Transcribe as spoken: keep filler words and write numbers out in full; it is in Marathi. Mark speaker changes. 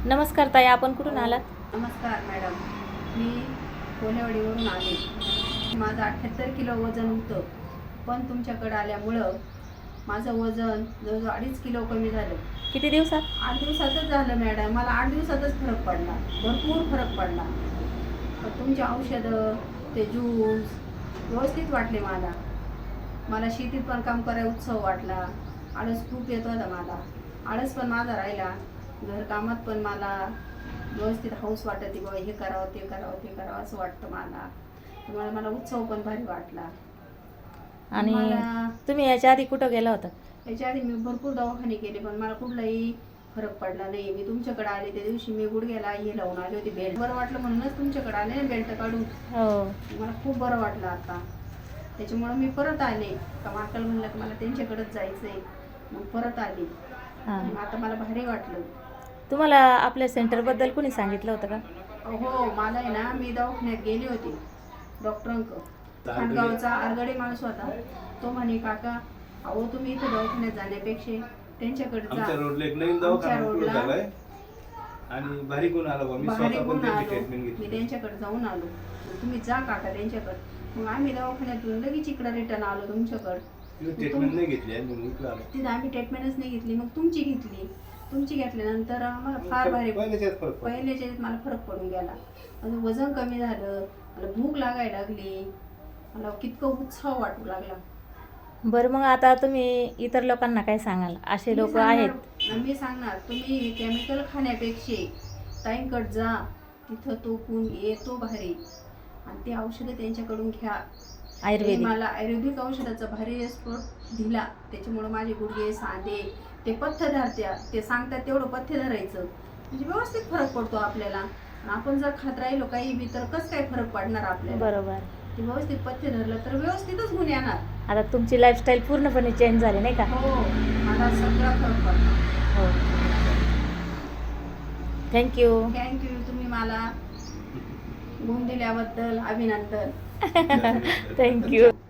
Speaker 1: नमस्कार ताई, आपण कुठून आलात?
Speaker 2: नमस्कार मॅडम, मी कोलेवाडीवरून आले. माझं अठ्ठ्याहत्तर किलो वजन होतं, पण तुमच्याकडे आल्यामुळं माझं वजन जवळजवळ अडीच किलो कमी झालं.
Speaker 1: किती दिवसात?
Speaker 2: आठ दिवसातच झालं मॅडम. मला आठ दिवसातच फरक पडला, भरपूर फरक पडला. पण तुमची औषधं, ते ज्यूस व्यवस्थित वाटले मला. मला शेतीत पण काम करायला उत्सव वाटला. आळस खूप येत होता मला, आळस पण माझा राहिला. घरकामात पण मला व्यवस्थित हौस वाटते, बाबा हे करावं ते करावं ते करावं असं वाटतं मला. त्यामुळे मला उत्सव पण भारी वाटला.
Speaker 1: आणि
Speaker 2: मला
Speaker 1: तुम्ही याच्या आधी कुठं गेला होता?
Speaker 2: याच्या आधी मी भरपूर दवाखाने केले, पण मला कुठलाही फरक पडला नाही. मी तुमच्याकडे आले त्या दिवशी मी गुडघ्याला हे लावून आले होते, बेल्ट. बरं वाटलं म्हणूनच तुमच्याकडे आले ना, बेल्ट काढून.
Speaker 1: हो,
Speaker 2: मला खूप बरं वाटलं आता. त्याच्यामुळं मी परत आले. का माकल म्हणलं की मला त्यांच्याकडेच जायचं आहे, मग परत आले.
Speaker 1: हां.
Speaker 2: मग आता मला भारी वाटलं.
Speaker 1: तुम्हाला आपल्या सेंटरबद्दल कोणी सांगितलं होतं का?
Speaker 2: हो, मला आहे ना, मी दवाखान्यात गेले होते डॉक्टरांक. खांडगावचा आरगडे माणूस होता. तो म्हणे, काका अहो तुम्ही इथे दवाखान्यात जाण्यापेक्षा त्यांच्याकडे जा.
Speaker 3: आमच्या रोडला एक नवीन दवाखाना उघडला झालाय आणि भारी गुण आला बा. मी
Speaker 2: भारी
Speaker 3: स्वतः
Speaker 2: गुण
Speaker 3: पण त्यांची
Speaker 2: आलो.
Speaker 3: ट्रीटमेंट
Speaker 2: मी
Speaker 3: घेतली.
Speaker 2: त्यांच्याकडे जाऊन आलो. तुम्ही जा काका त्यांच्याकडे. मग आम्ही दवाखान्यातून लगेच इकडे रिटर्न आलो तुमच्याकडे.
Speaker 3: तिथे ट्रीटमेंट नाही घेतली आणि मी इकडे आलो.
Speaker 2: तिथे आम्ही ट्रीटमेंटच नाही घेतली, मग तुमची घेतली. तुमची घेतल्यानंतर आम्हाला फार भारी
Speaker 3: पहिल्याच्यात फरक पडला.
Speaker 2: पहिल्याच्या याच्यात मला फरक पडून गेला. माझं वजन कमी झालं, मला भूक लागायला लागली, मला कितकं उत्साह वाटू लागला.
Speaker 1: बरं, मग आता तुम्ही इतर लोकांना काय सांगाल? असे
Speaker 2: मी
Speaker 1: लोक
Speaker 2: सांगणार-
Speaker 1: आहेत.
Speaker 2: मी सांगणार, तुम्ही केमिकल खाण्यापेक्षा ताईंकडे जा. तिथं तो गुण येतो भारी, आणि ते औषधं त्यांच्याकडून घ्या. ते
Speaker 1: आयुर्वेदिक.
Speaker 2: मला आयुर्वेदिक औषधाचा भारी एक्सपर्ट दिला. त्याच्यामुळे माझे गुडघे सांधे ते पथ्य धरत्या, ते सांगतात तेवढं पथ्य धरायचं, म्हणजे व्यवस्थित फरक पडतो आपल्याला. आणि आपण जर खात राहिलो काही बी तर कसं काय फरक पडणार आपल्याला?
Speaker 1: बरोबर.
Speaker 2: ते व्यवस्थित पथ्य धरलं तर व्यवस्थितच गुण येणार.
Speaker 1: आता तुमची लाईफस्टाईल पूर्णपणे चेंज झाली नाही का?
Speaker 2: हो, मला सगळा फरक पडला.
Speaker 1: हो. थँक्यू.
Speaker 2: थँक्यू. तुम्ही मला गुण दिल्याबद्दल अभिनंदन.
Speaker 1: थँक्यू.